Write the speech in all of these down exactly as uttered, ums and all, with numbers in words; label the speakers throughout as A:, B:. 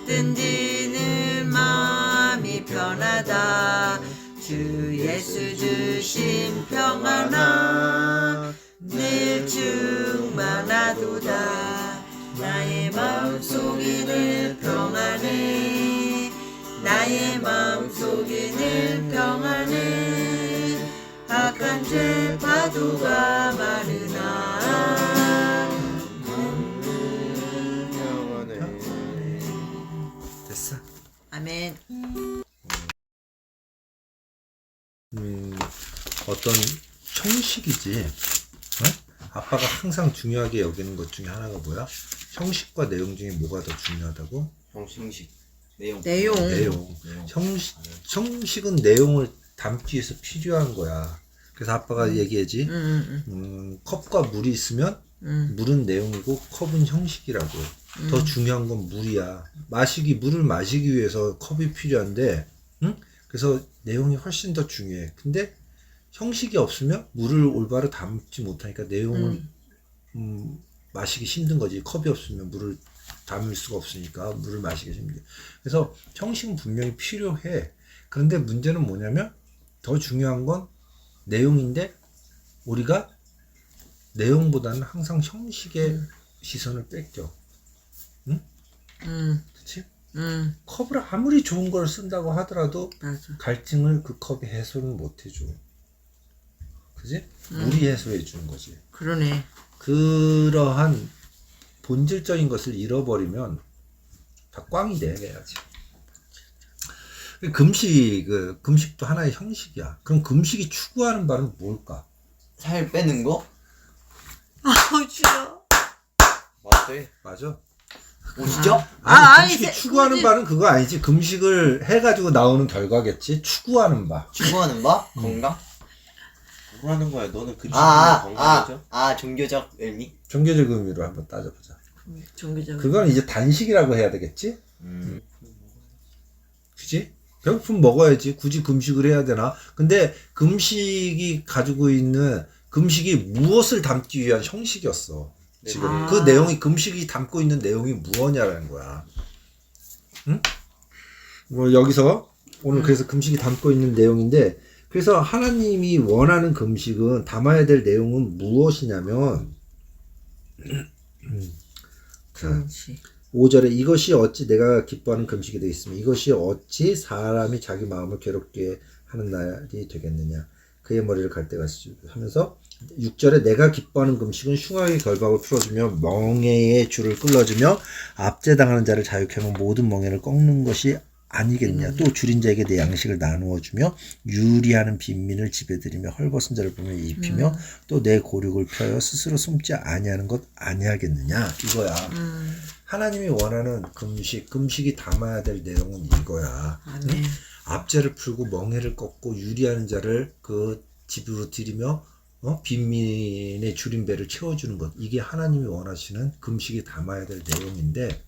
A: 든지는 마음이 편하다. 주 예수 주신 평안아 늘 충만하도다. 나의 마음속에 늘 평안해. 나의 마음속에 늘 평안해. 악한 죄 파도가 많으나
B: 평안해.
C: 됐어.
A: 아멘.
C: 음, 어떤 형식이지. 어? 아빠가 항상 중요하게 여기는 것 중에 하나가 뭐야? 형식과 내용 중에 뭐가 더 중요하다고?
B: 형식, 내용.
A: 내용.
C: 내용.
B: 내용.
C: 형식, 형식은 내용을 담기 위해서 필요한 거야. 그래서 아빠가
A: 음.
C: 얘기하지.
A: 음, 음,
C: 음, 컵과 물이 있으면
A: 음.
C: 물은 내용이고 컵은 형식이라고.
A: 음.
C: 더 중요한 건 물이야. 마시기 물을 마시기 위해서 컵이 필요한데, 응? 그래서 내용이 훨씬 더 중요해. 근데 형식이 없으면 물을 올바로 담지 못하니까 내용을
A: 음.
C: 음, 마시기 힘든 거지. 컵이 없으면 물을 담을 수가 없으니까 물을 마시기 힘들게. 그래서 형식은 분명히 필요해. 그런데 문제는 뭐냐면 더 중요한 건 내용인데 우리가 내용보다는 항상 형식에
A: 음.
C: 시선을 뺏겨.
A: 음.
C: 그치?
A: 음.
C: 컵을 아무리 좋은 걸 쓴다고 하더라도
A: 맞아.
C: 갈증을 그 컵이 해소는 못 해줘. 그지?
A: 음.
C: 물이 해소해 주는 거지.
A: 그러네.
C: 그러한 본질적인 것을 잃어버리면 다 꽝이 돼, 해야지. 금식, 그, 금식도 하나의 형식이야. 그럼 금식이 추구하는 바는 뭘까?
B: 살 빼는 거?
A: 아우 싫어.
B: 맞아.
C: 맞아.
B: 오시죠?
A: 아,
C: 아니,
A: 아니,
C: 금식이
A: 세-
C: 추구하는
A: 금식-
C: 바는 그거 아니지. 금식을 해가지고 나오는 결과겠지. 추구하는 바.
B: 추구하는 바?
C: 음.
B: 건강?
D: 뭐 하는 거야? 너는 그
B: 아, 아,
D: 건강이죠?
B: 아, 아, 종교적 의미?
C: 종교적 의미로 한번 따져보자.
A: 종교적.
C: 그건 이제 단식이라고 해야 되겠지?
B: 음.
C: 그지? 배고프면 먹어야지. 굳이 금식을 해야 되나? 근데 금식이 가지고 있는 금식이 무엇을 담기 위한 형식이었어. 지금
A: 아.
C: 그 내용이 금식이 담고 있는 내용이 무엇냐라는 거야. 응? 뭐 여기서 오늘
A: 음.
C: 그래서 금식이 담고 있는 내용인데 그래서 하나님이 원하는 금식은 담아야 될 내용은 무엇이냐면 자,
A: 금식.
C: 오 절에 이것이 어찌 내가 기뻐하는 금식이 되겠으며 이것이 어찌 사람이 자기 마음을 괴롭게 하는 날이 되겠느냐 그의 머리를 갈 때가 하면서 육 절에 내가 기뻐하는 금식은 흉악의 결박을 풀어주며 멍에의 줄을 끌어주며 압제당하는 자를 자유케 하며 모든 멍에를 꺾는 것이 아니겠느냐. 또 줄인 자에게 내 양식을 나누어 주며 유리하는 빈민을 집에들이며 헐벗은 자를 보며 입히며
A: 음.
C: 또 내 고륙을 펴여 스스로 숨지 아니하는 것 아니하겠느냐 이거야.
A: 음.
C: 하나님이 원하는 금식, 금식이 담아야 될 내용은 이거야.
A: 아멘.
C: 응? 압제를 풀고 멍해를 꺾고 유리하는 자를 그 집으로 들이며 어? 빈민의 줄인 배를 채워주는 것. 이게 하나님이 원하시는 금식이 담아야 될 내용인데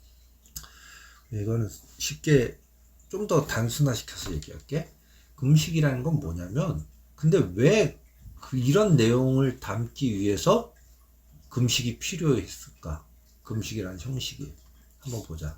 C: 이거는 쉽게 좀 더 단순화시켜서 얘기할게. 금식이라는 건 뭐냐면 근데 왜 그 이런 내용을 담기 위해서 금식이 필요했을까? 금식이라는 형식이 한번 보자.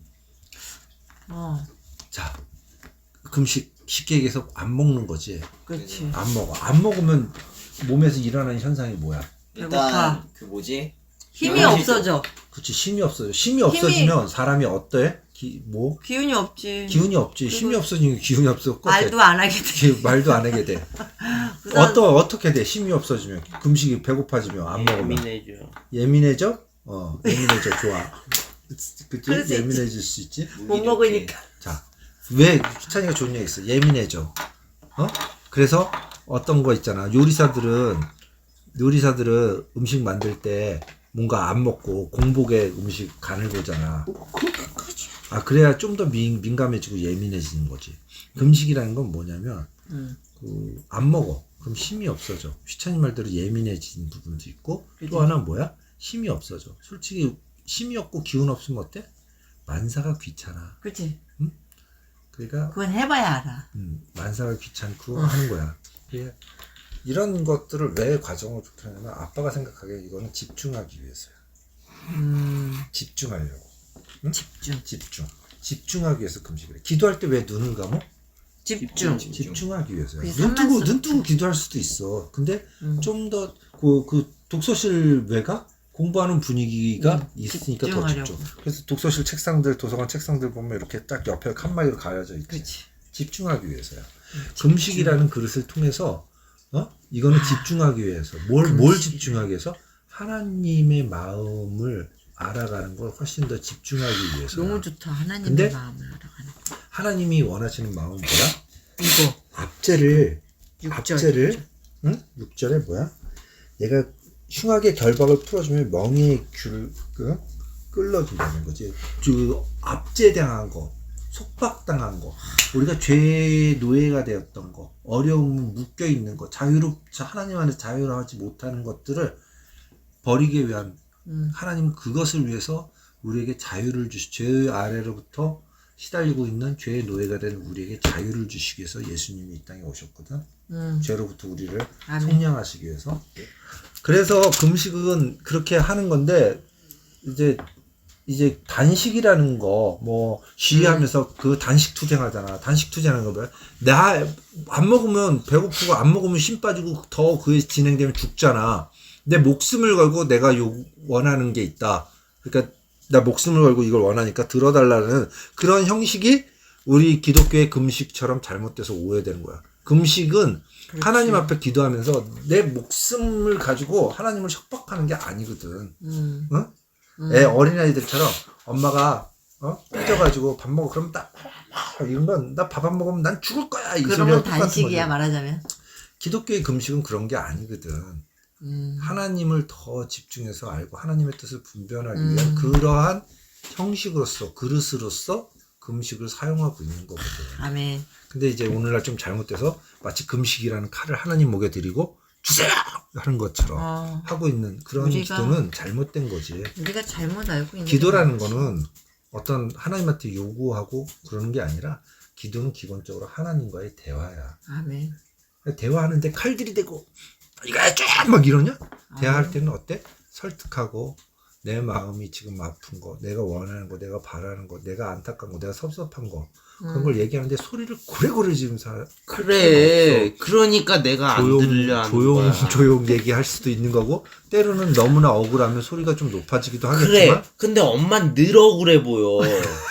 A: 어.
C: 자, 금식 쉽게 얘기해서 안 먹는 거지.
A: 그렇지.
C: 안 먹어. 안 먹으면 몸에서 일어나는 현상이 뭐야?
B: 일단,
A: 배고파.
B: 그 뭐지?
A: 힘이
B: 아,
A: 없어져.
C: 그치, 힘이 없어져. 힘이 없어지면 사람이 어때? 기, 뭐?
A: 기운이 없지.
C: 기운이 없지. 힘이 없어지면 기운이 없어.
A: 말도 안 하게 돼.
C: 기, 말도 안 하게 돼.
A: 우선-
C: 어떠, 어떻게 돼? 힘이 없어지면. 금식이 배고파지면 안 먹으면.
D: 예민해져.
C: 예민해져? 어, 예민해져. 좋아. 그치?
A: 그럴 수
C: 예민해질 수 있지?
A: 못 먹으니까.
C: 자, 왜 희찬이가 좋은 얘기 있어? 예민해져. 어? 그래서 어떤 거 있잖아. 요리사들은 요리사들은 음식 만들 때 뭔가 안 먹고 공복에 음식 간을 보잖아. 아 그래야 좀 더 민감해지고 예민해지는 거지. 금식이라는 건 뭐냐면
A: 음.
C: 그 안 먹어. 그럼 힘이 없어져. 휘찬이 말대로 예민해지는 부분도 있고
A: 그치.
C: 또 하나 뭐야? 힘이 없어져. 솔직히 힘이 없고 기운 없으면 어때? 만사가 귀찮아.
A: 그렇지.
C: 그러니까
A: 그건 해봐야 알아.
C: 음, 만사가 귀찮고
A: 어.
C: 하는 거야. 이게 이런 것들을 왜 과정을 좋게 하냐면 아빠가 생각하기에 이거는 집중하기 위해서야.
A: 음.
C: 집중하려고. 응?
A: 집중.
C: 집중. 집중하기 위해서 금식을 해. 기도할 때 왜 눈을 감어?
A: 집중.
B: 집중.
C: 집중하기 위해서요.
A: 그게
C: 눈 뜨고
A: 산만스럽다.
C: 눈 뜨고 기도할 수도 있어. 근데
A: 음.
C: 좀 더 그 그 독서실 외가 공부하는 분위기가
A: 음,
C: 있으니까 더
A: 집중하려고.
C: 집중. 그래서 독서실 책상들, 도서관 책상들 보면 이렇게 딱 옆에 칸막이로 가려져 있지.
A: 그렇지.
C: 집중하기 위해서야. 금식이라는 그릇을 통해서 어? 이거는
A: 아,
C: 집중하기 위해서. 뭘, 뭘
A: 금식이.
C: 집중하기 위해서? 하나님의 마음을 알아가는 걸 훨씬 더 집중하기 위해서.
A: 너무 좋다. 하나님의
C: 근데
A: 마음을 알아가는 거.
C: 하나님이 원하시는 마음은 뭐야?
A: 이거
C: 압제를
A: 육 절.
C: 압제를 응? 육 절에 뭐야? 내가 흉악의 결박을 풀어주면 멍에의 귤을 그, 끌어준다는 거지. 그 압제당한 거, 속박당한 거, 우리가 죄의 노예가 되었던 거, 어려움 묶여 있는 거, 자유롭 하나님 안에 자유로하지 못하는 것들을 버리기 위한
A: 음.
C: 하나님 그것을 위해서 우리에게 자유를 주시. 죄 아래로부터 시달리고 있는 죄의 노예가 된 우리에게 자유를 주시기 위해서 예수님이 이 땅에 오셨거든.
A: 음.
C: 죄로부터 우리를
A: 아멘.
C: 속량하시기 위해서. 그래서 금식은 그렇게 하는 건데 이제 이제 단식이라는 거 뭐 쉬하면서 그 단식 투쟁하잖아. 단식 투쟁하는 거 뭐야? 나 안 먹으면 배고프고 안 먹으면 힘 빠지고 더 그게 진행되면 죽잖아. 내 목숨을 걸고 내가 요 원하는 게 있다. 그러니까 나 목숨을 걸고 이걸 원하니까 들어달라는 그런 형식이 우리 기독교의 금식처럼 잘못돼서 오해되는 거야. 금식은
A: 그렇지.
C: 하나님 앞에 기도하면서 내 목숨을 가지고 하나님을 협박하는 게 아니거든.
A: 음.
C: 응?
A: 음.
C: 애 어린아이들처럼 엄마가 어? 삐져가지고 밥 먹어. 그럼 나 이런 건 나 밥 안 먹으면 난 죽을 거야. 이
A: 그런
C: 소리랑
A: 건
C: 똑같은
A: 단식이야
C: 거지.
A: 말하자면.
C: 기독교의 금식은 그런 게 아니거든.
A: 음.
C: 하나님을 더 집중해서 알고 하나님의 뜻을 분별하기
A: 음.
C: 위한 그러한 형식으로서 그릇으로서 금식을 사용하고 있는 거거든.
A: 아멘.
C: 근데 이제 오늘날 좀 잘못돼서 마치 금식이라는 칼을 하나님 목에 들이고 주세요 하는 것처럼
A: 어.
C: 하고 있는 그런
A: 우리가-
C: 기도는 잘못된 거지.
A: 우리가 잘못 알고 있는
C: 기도라는
A: 게
C: 거는 어떤 하나님한테 요구하고 그러는 게 아니라 기도는 기본적으로 하나님과의 대화야.
A: 아멘.
C: 대화하는데 칼들이 대고 이거 해줘 막 이러냐? 대화할
A: 아멘.
C: 때는 어때? 설득하고 내 마음이 지금 아픈 거, 내가 원하는 거, 내가 바라는 거, 내가 안타까운 거, 내가 섭섭한 거 그런
A: 음.
C: 걸 얘기하는데 소리를 고래고래 지금 사
D: 그래. 그러니까 내가 안
C: 조용
D: 들려 하는
C: 조용
D: 거야.
C: 조용 얘기할 수도 있는 거고 때로는 너무나 억울하면 소리가 좀 높아지기도
D: 그래.
C: 하겠지만
D: 근데 엄만 늘 억울해 보여.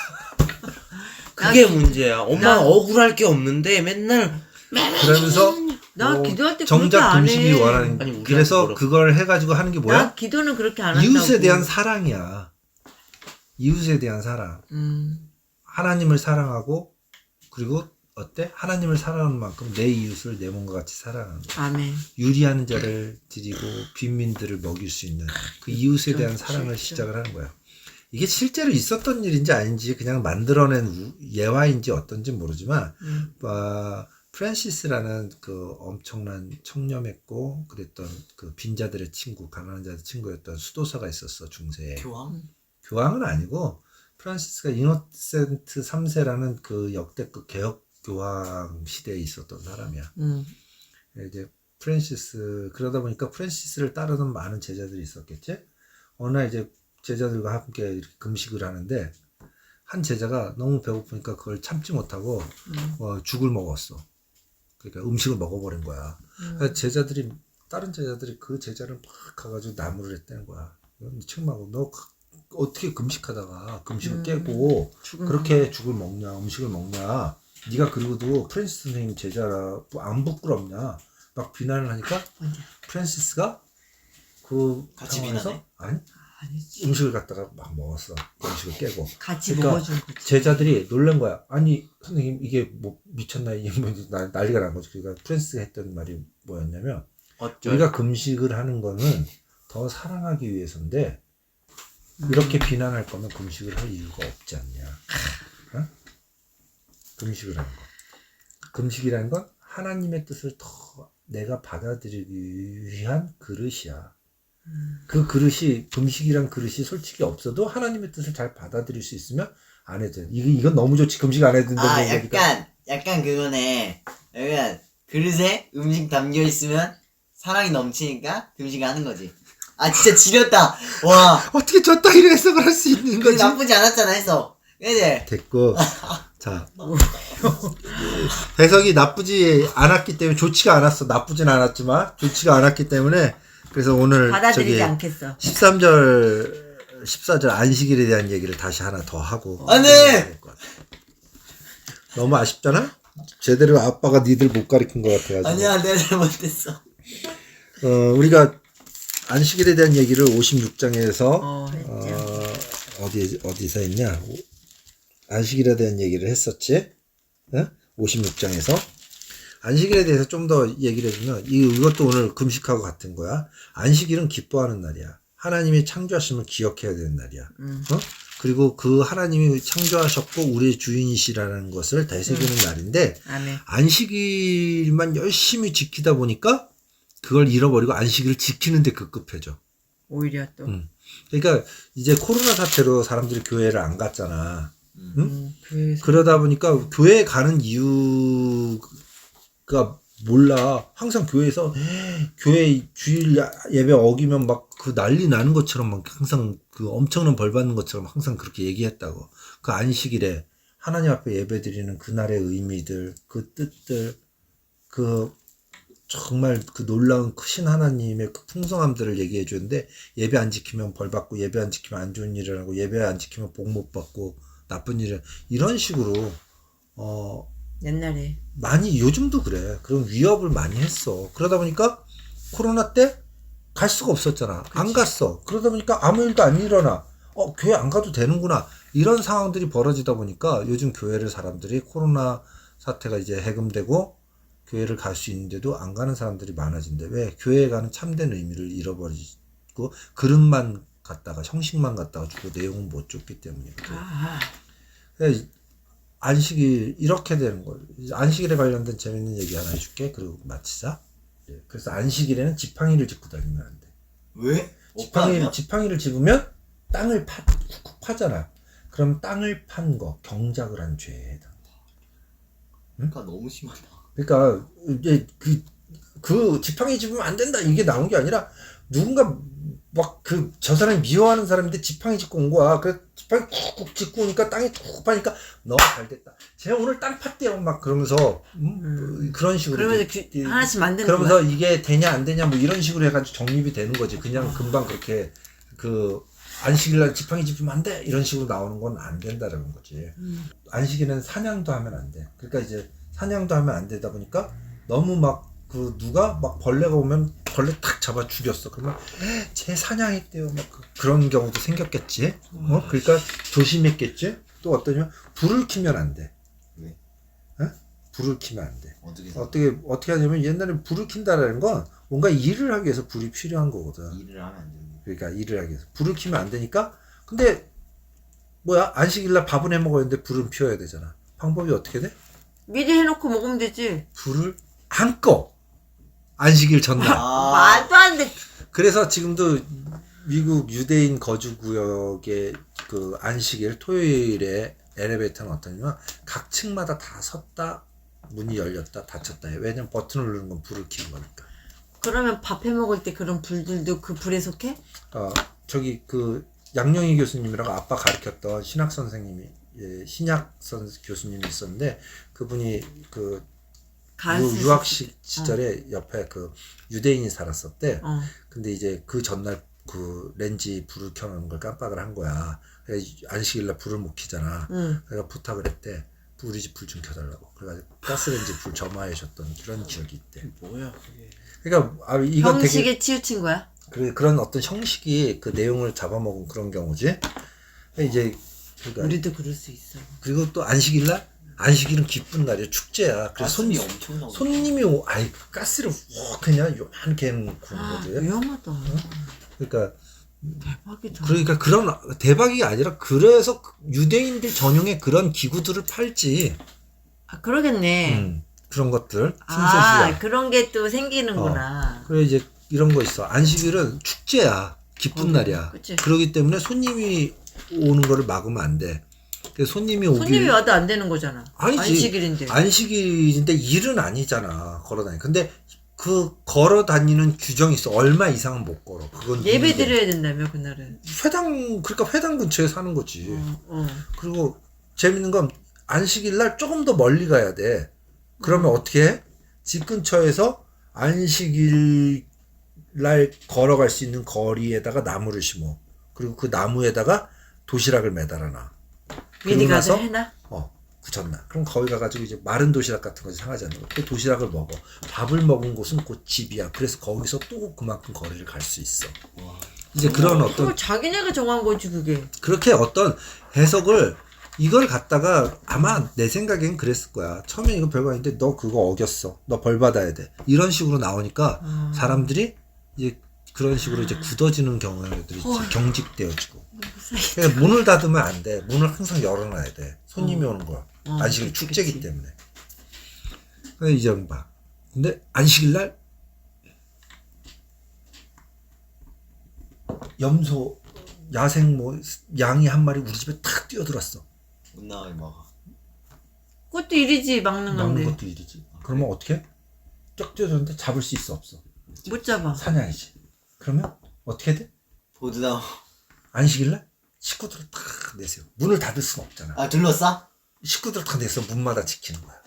D: 그게
A: 나-
D: 문제야. 엄마
A: 나-
D: 억울할 게 없는데 맨날
C: 그러면서
A: 나
C: 뭐
A: 기도할 때 그렇게
C: 정작
A: 안
C: 금식이
A: 해.
C: 원하는
D: 아니, 우리한테
C: 그래서
D: 뭐라고.
C: 그걸 해가지고 하는 게
A: 나
C: 뭐야?
A: 기도는 그렇게 안 한다고.
C: 이웃에 대한 사랑이야. 이웃에 대한 사랑.
A: 음.
C: 하나님을 사랑하고 그리고 어때? 하나님을 사랑하는 만큼 내 이웃을 내 몸과 같이 사랑하는 거야.
A: 아멘.
C: 유리한 자를 드리고 빈민들을 먹일 수 있는 그 이웃에 대한
A: 진짜,
C: 사랑을
A: 진짜.
C: 시작을 하는 거야. 이게 실제로 있었던 일인지 아닌지 그냥 만들어낸 우- 예화인지 어떤지 모르지만
A: 음.
C: 어, 프란시스라는 그 엄청난 청렴했고 그랬던 그 빈자들의 친구, 가난한 자들의 친구였던 수도사가 있었어 중세에.
B: 교황?
C: 교황은 아니고 프란시스가 이노센트 삼 세라는 그 역대급 개혁 교황 시대에 있었던 사람이야.
A: 음.
C: 이제 프란시스 그러다 보니까 프란시스를 따르는 많은 제자들이 있었겠지. 어느 날 이제 제자들과 함께 이렇게 금식을 하는데 한 제자가 너무 배고프니까 그걸 참지 못하고
A: 음.
C: 어, 죽을 먹었어. 그러니까 음식을 먹어버린 거야.
A: 음.
C: 그래서 제자들이 다른 제자들이 그 제자를 막 가가지고 나무를 했다는 거야. 미친마고 너 그- 어떻게 금식하다가 금식을
A: 음.
C: 깨고
A: 죽은
C: 그렇게 죽을 먹냐 음식을 먹냐 네가 그리고도 프란시스 선생님 제자라 안 부끄럽냐 막 비난을 하니까
A: 언제?
C: 프란시스가 그
B: 같이
C: 상황에서
B: 비난해?
C: 아니
A: 아니지.
C: 음식을 갖다가 막 먹었어. 음식을 깨고
A: 같이
C: 그러니까
A: 먹어준 거지.
C: 제자들이 놀란 거야. 아니 선생님 이게 뭐 미쳤나 이게 뭐 난- 난리가 난 거지. 그러니까 프란시스가 했던 말이 뭐였냐면
D: 어쩔.
C: 우리가 금식을 하는 거는 더 사랑하기 위해서인데
A: 음.
C: 이렇게 비난할 거면 금식을 할 이유가 없지 않냐. 어? 금식을 하는 거. 금식이라는 건 하나님의 뜻을 더 내가 받아들이기 위한 그릇이야.
A: 음.
C: 그 그릇이 금식이란 그릇이 솔직히 없어도 하나님의 뜻을 잘 받아들일 수 있으면 안 해도 돼. 이거 이건 너무 좋지. 금식 안 해도 된다고
B: 아
C: 얘기하니까.
B: 약간 약간 그거네. 약간 그릇에 음식 담겨 있으면 사랑이 넘치니까 금식을 하는 거지. 아 진짜 지렸다. 와.
C: 어떻게 저 따위로 해석을 할 수 있는
B: 그
C: 거지?
B: 나쁘지 않았잖아 해서. 그지?
C: 됐고 자 해석이 나쁘지 않았기 때문에 좋지가 않았어. 나쁘진 않았지만 좋지가 않았기 때문에 그래서 오늘
A: 받아들이지
C: 저기
A: 않겠어.
C: 십삼 절 십사 절 안식일에 대한 얘기를 다시 하나 더 하고
B: 안 돼!
C: 너무 아쉽잖아? 제대로 아빠가 니들 못 가르친 것 같아가지고
B: 아니야 내가 잘못했어.
C: 어, 우리가 안식일에 대한 얘기를 오십육 장에서
A: 어, 했죠.
C: 어, 어디, 어디서 했냐? 안식일에 대한 얘기를 했었지? 어? 오십육 장에서. 안식일에 대해서 좀 더 얘기를 해주면, 이, 이것도 오늘 금식하고 같은 거야. 안식일은 기뻐하는 날이야. 하나님이 창조하심을 기억해야 되는 날이야.
A: 음.
C: 어? 그리고 그 하나님이 창조하셨고, 우리의 주인이시라는 것을 되새기는
A: 음.
C: 날인데,
A: 아멘.
C: 안식일만 열심히 지키다 보니까, 그걸 잃어버리고 안식일을 지키는데 급급해져.
A: 오히려 또.
C: 음. 그러니까 이제 코로나 사태로 사람들이 교회를 안 갔잖아. 응?
A: 음, 그래서.
C: 그러다 보니까 교회에 가는 이유가 몰라. 항상 교회에서 교회 주일 예배 어기면 막 그 난리 나는 것처럼 막 항상 그 엄청난 벌 받는 것처럼 항상 그렇게 얘기했다고. 그 안식일에 하나님 앞에 예배 드리는 그날의 의미들, 그 뜻들, 그 정말 그 놀라운 크신 하나님의 그 풍성함들을 얘기해 주는데 예배 안 지키면 벌 받고 예배 안 지키면 안 좋은 일을 하고 예배 안 지키면 복 못 받고 나쁜 일을 이런 식으로 어
A: 옛날에.
C: 많이 요즘도 그래. 그런 위협을 많이 했어. 그러다 보니까 코로나 때 갈 수가 없었잖아.
A: 그치.
C: 안 갔어. 그러다 보니까 아무 일도 안 일어나. 어 교회 안 가도 되는구나. 이런 상황들이 벌어지다 보니까 요즘 교회를 사람들이 코로나 사태가 이제 해금되고 교회를 갈 수 있는데도 안 가는 사람들이 많아진대. 왜? 교회에 가는 참된 의미를 잃어버리고 그릇만 갖다가 형식만 갖다가 주고 내용은 못 줬기 때문이거든.
A: 아,
C: 그래서 안식일 이렇게 되는 거예요. 안식일에 관련된 재밌는 얘기 하나 해줄게. 그리고 마치자. 예, 그래서 안식일에는 지팡이를 짚고 다니면 안 돼.
B: 왜?
C: 지팡이, 지팡이를 집으면 땅을 파, 쿡쿡 파잖아. 그럼 땅을 판 거, 경작을 한 죄에 해당돼.
B: 그러니까 너무 심하다.
C: 그러니까 이제 그, 그 지팡이 집으면 안 된다 이게 나온 게 아니라 누군가 막 그 저 사람이 미워하는 사람인데 지팡이 짚고 온 거야. 그래서 지팡이 쿡쿡 짚고 오니까 땅이 쿡쿡 파니까 너무 잘 됐다. 제가 오늘 땅 팠대요 막 그러면서 음?
A: 음.
C: 그런 식으로
A: 그러면서
C: 이제
A: 규, 하나씩 만드는
C: 그러면서
A: 거야.
C: 이게 되냐 안 되냐 뭐 이런 식으로 해가지고 정립이 되는 거지. 그냥 금방 그렇게 그 안식일날 지팡이 짚으면 안 돼 이런 식으로 나오는 건 안 된다라는 거지.
A: 음.
C: 안식일은 사냥도 하면 안 돼. 그러니까 이제 사냥도 하면 안 되다 보니까 너무 막 그 누가 막 벌레가 오면 벌레 탁 잡아 죽였어. 그러면 제 사냥했대요. 막 그, 그런 경우도 생겼겠지. 어? 그러니까 조심했겠지. 또 어떠냐면 불을 켜면 안 돼.
B: 왜?
C: 어? 불을 켜면 안 돼.
B: 어떻게
C: 어떻게 어떻게 하냐면 옛날에 불을 킨다라는 건 뭔가 일을 하기 위해서 불이 필요한 거거든.
B: 일을 하면 안 되는
C: 그러니까 일을 하기 위해서 불을 켜면 안 되니까. 근데 뭐야 안식일날 밥은 해 먹어야 되는데 불은 피워야 되잖아. 방법이 어떻게 돼?
A: 미리 해놓고 먹으면 되지.
C: 불을 안 꺼. 안식일 전날.
B: 아.
A: 말도 안 돼.
C: 그래서 지금도 미국 유대인 거주 구역의 그 안식일 토요일에 엘리베이터는 어떠냐면 각 층마다 다 섰다 문이 열렸다 닫혔다 해. 왜냐면 버튼을 누르는 건 불을 켜는 거니까.
A: 그러면 밥 해 먹을 때 그런 불들도 그 불에 속해?
C: 어 저기 그 양영희 교수님이라고 아빠 가르쳤던 신학 선생님이 예, 신약 선 교수님이 있었는데 그분이 그 유, 유학식 시절에 어. 옆에 그 유대인이 살았었대.
A: 어.
C: 근데 이제 그 전날 그 렌지 불을 켜놓은 걸 깜빡을 한 거야. 안식일날 불을 못 켜잖아.
A: 응.
C: 그래서 부탁을 했대. 우리 집 불 좀 켜달라고. 그래가지고 가스렌지 불 점화하셨던 그런 기억이 있대.
B: 뭐야 그게?
C: 그러니까 아, 이건
A: 형식에
C: 되게
A: 치우친 거야?
C: 그래, 그런 어떤 형식이 그 내용을 잡아먹은 그런 경우지. 이제 그러니까
A: 우리도 그럴 수 있어.
C: 그리고 또 안식일날 안식일은 기쁜 날이야. 축제야. 그래서 손,
B: 가슴이 엄청 나오네.
C: 손님이 오, 아이, 가스를 워, 그냥 요만하게 해놓고
A: 아,
C: 거지.
A: 위험하다.
C: 그러니까,
A: 대박이다.
C: 그러니까 그런, 대박이 아니라, 그래서 유대인들 전용의 그런 기구들을 팔지.
A: 아, 그러겠네.
C: 음, 그런 것들.
A: 아,
C: 신세시야.
A: 그런 게 또 생기는구나.
C: 어. 그래, 이제 이런 거 있어. 안식일은 축제야. 기쁜
A: 어,
C: 날이야.
A: 그치.
C: 그러기 때문에 손님이 오는 거를 막으면 안 돼. 손님이 오길
A: 손님이 와도 안 되는 거잖아.
C: 아니지.
A: 안식일인데.
C: 안식일인데 일은 아니잖아. 걸어다니. 근데 그 걸어 다니는 규정이 있어. 얼마 이상은 못 걸어. 그건
A: 예배
C: 이게.
A: 드려야 된다며 그날은.
C: 회당 그러니까 회당 근처에 사는 거지.
A: 어, 어.
C: 그리고 재밌는 건 안식일 날 조금 더 멀리 가야 돼. 그러면
A: 음.
C: 어떻게 해? 집 근처에서 안식일 날 걸어갈 수 있는 거리에다가 나무를 심어. 그리고 그 나무에다가 도시락을 매달아 놔.
A: 미리
C: 그러고
A: 가서
C: 나서
A: 해놔?
C: 어, 붙였나. 그럼 거기 가가지고 이제 마른 도시락 같은 거 상하지 않는 거. 그 도시락을 먹어. 밥을 먹은 곳은 곧 집이야. 그래서 거기서 또 그만큼 거리를 갈 수 있어.
B: 와.
C: 이제 그런
A: 그걸
C: 어떤
A: 자기네가 정한 거지 그게.
C: 그렇게 어떤 해석을 이걸 갖다가 아마 내 생각엔 그랬을 거야. 처음에 이거 별거 아닌데 너 그거 어겼어. 너 벌 받아야 돼. 이런 식으로 나오니까
A: 음.
C: 사람들이 이제 그런 식으로 이제 굳어지는 경우들이
A: 어.
C: 경직되어지고. 그러니까 문을 닫으면 안 돼. 문을 항상 열어놔야 돼. 손님이 오는 거야.
A: 어,
C: 안식일
A: 그치,
C: 축제기
A: 그치.
C: 때문에. 근데 이제 봐. 근데 안식일 날 염소 야생 뭐 양이 한 마리 우리 집에 탁 뛰어들었어.
B: 못 나가게 막아.
A: 그것도 일이지 막는
C: 막는
A: 건데.
C: 것도 일이지. 그러면 어떻게? 쫙 뛰어들었는데 잡을 수 있어 없어?
A: 못 잡아.
C: 사냥이지. 그러면 어떻게 돼?
B: 보드나.
C: 안식일날 식구들을 다 내세요. 문을 닫을 순 없잖아.
B: 아 둘러싸?
C: 식구들 다 내서 문마다 지키는 거야.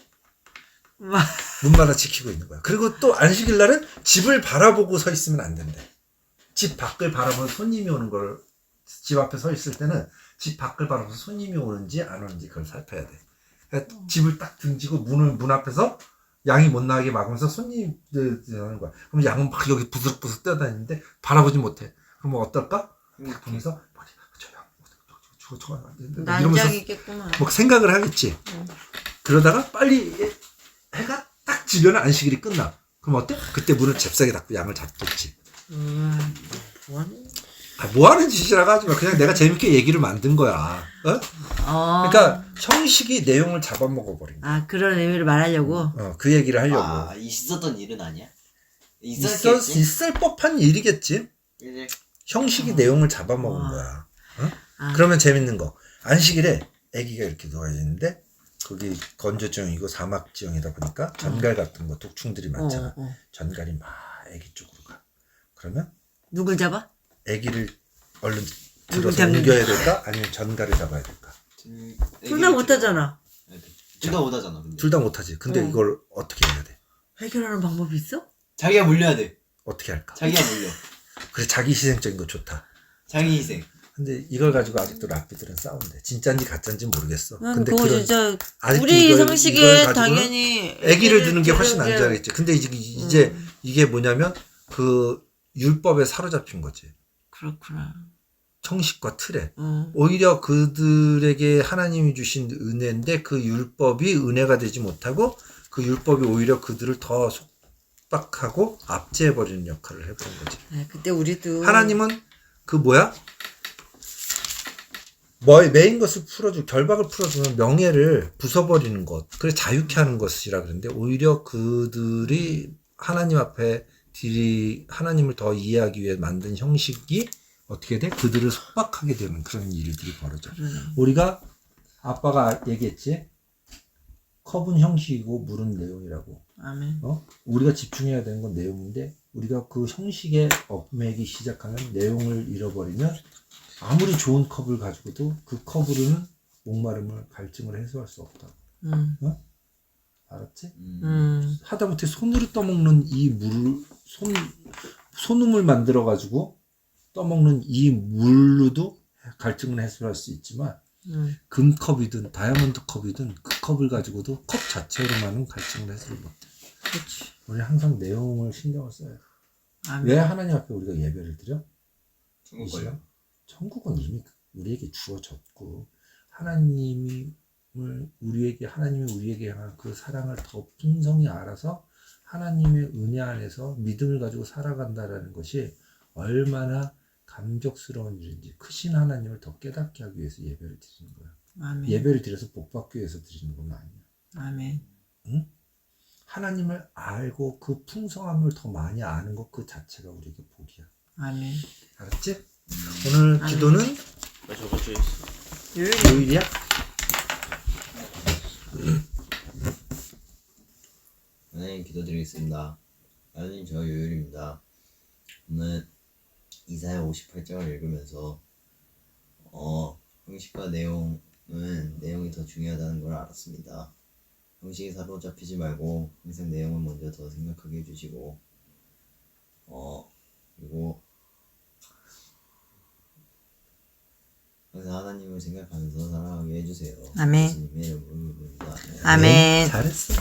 A: 막
C: 문마다 지키고 있는 거야. 그리고 또 안식일날은 집을 바라보고 서 있으면 안 된대. 집 밖을 바라보면 손님이 오는 걸 집 앞에 서 있을 때는 집 밖을 바라보면서 손님이 오는지 안 오는지 그걸 살펴야 돼. 그러니까 집을 딱 등지고 문을 문 앞에서 양이 못 나가게 막으면서 손님들 하는 거야. 그럼 양은 막 여기 부스럭부스럭 뛰어다니는데 바라보지 못해. 그러면 어떨까? 딱 보면서 저양 저거 저거 안 되는데 이러면서
A: 난장이겠구만.
C: 뭐 생각을 하겠지.
A: 응.
C: 그러다가 빨리 해가 딱 지면 안식일이 끝나. 그럼 어때? 그때 문을 잽싸게 닫고 양을 잡겠지.
A: 음, 뭐하는?
C: 아, 뭐 하는 짓이라고 하지 마. 그냥 내가 재밌게 얘기를 만든 거야. 어?
A: 어.
C: 그러니까 형식이 내용을 잡아먹어 버린 거야.
A: 아 그런 의미를 말하려고.
C: 어, 그 얘기를 하려고.
B: 아 있었던 일은 아니야?
C: 있었,
B: 있었겠지?
C: 있을 법한 일이겠지.
B: 이제
C: 형식이
A: 어.
C: 내용을 잡아먹은
A: 어.
C: 거야.
A: 아,
C: 그러면 재밌는 거. 안식일에 아기가 이렇게 누워 있는데 거기 건조지형이고 사막 지형이다 보니까 전갈 같은 거 독충들이 많잖아.
A: 어, 어.
C: 전갈이 막 아기 쪽으로 가. 그러면
A: 누굴 잡아?
C: 아기를 얼른
A: 누굴
C: 들어서
A: 잡는
C: 옮겨야 될까? 아니면 전갈을 잡아야 될까?
A: 둘 다 못하잖아.
B: 둘 다 못하잖아. 근데
C: 둘 다 못하지. 근데
A: 어.
C: 이걸 어떻게 해야 돼?
A: 해결하는 방법이 있어?
B: 자기가 물려야 돼.
C: 어떻게 할까?
B: 자기가 물려.
C: 그래 자기 희생적인 거 좋다.
B: 자기 희생.
C: 근데 이걸 가지고 아직도 락비들은 싸운대. 진짜인지 가짜인지 모르겠어.
A: 난
C: 근데
A: 그거
C: 그런
A: 진짜
C: 아직도
A: 우리
C: 이걸- 이걸
A: 상식에
C: 가지고는
A: 당연히
C: 아기를 두는 게 훨씬
A: 두는 게-
C: 안전하겠지. 근데 이제, 이제
A: 음.
C: 이게 뭐냐면 그 율법에 사로잡힌 거지.
A: 그렇구나.
C: 형식과 틀에.
A: 어.
C: 오히려 그들에게 하나님이 주신 은혜인데 그 율법이 은혜가 되지 못하고 그 율법이 오히려 그들을 더 속박하고 압제해버리는 역할을 해버린 거지.
A: 네, 그때 우리도
C: 하나님은 그 뭐야? 뭐 메인 것을 풀어주 결박을 풀어주면 명예를 부숴버리는 것, 그래 자유케 하는 것이라 그러는데 오히려 그들이 하나님 앞에 들이 하나님을 더 이해하기 위해 만든 형식이 어떻게 돼? 그들을 속박하게 되는 그런 일들이 벌어져.
A: 그러네.
C: 우리가 아빠가 얘기했지. 컵은 형식이고 물은 내용이라고.
A: 아멘.
C: 어? 우리가 집중해야 되는 건 내용인데 우리가 그 형식에 얽매기 시작하면 내용을 잃어버리면 아무리 좋은 컵을 가지고도 그 컵으로는 목마름을 갈증을 해소할 수 없다.
A: 음.
C: 어? 알았지?
B: 음.
A: 음.
C: 하다못해 손으로 떠먹는 이 물, 손, 손음을 만들어 가지고 떠먹는 이 물로도 갈증을 해소할 수 있지만
A: 음.
C: 금컵이든 다이아몬드 컵이든 그 컵을 가지고도 컵 자체로만은 갈증을 해소를 못해.
A: 그렇지.
C: 우리 항상 내용을 신경을 써야 돼.
A: 아멘.
C: 왜 하나님 앞에 우리가 예배를 드려?
B: 중국
C: 이 시간?
B: 걸려?
C: 천국은 이미 우리에게 주어졌고 하나님을 우리에게 하나님이 우리에게 향한 그 사랑을 더 풍성히 알아서 하나님의 은혜 안에서 믿음을 가지고 살아간다라는 것이 얼마나 감격스러운 일인지 크신 하나님을 더 깨닫게 하기 위해서 예배를 드리는 거야.
A: 아멘.
C: 예배를 드려서 복 받기 위해서 드리는 건 아니야.
A: 아멘.
C: 응? 하나님을 알고 그 풍성함을 더 많이 아는 것 그 자체가 우리에게 복이야.
A: 아멘.
C: 알았지? 오늘
A: 아멘.
C: 기도는
D: 나 저거 저 있어.
A: 요일
C: 요일이야?
B: 네, 기도드리겠습니다. 아니 저 요율입니다. 오늘 이사야 오십팔 장을 읽으면서 어 형식과 내용은 내용이 더 중요하다는 걸 알았습니다. 형식에 사로잡히지 말고 항상 내용을 먼저 더 생각하게 해주시고 어 그리고 항상 하나님을 생각하면서 살아가게 해주세요.
A: 아멘.
B: 예수님의 이름으로 기도합니다.
A: 아멘.
C: 네, 잘했어.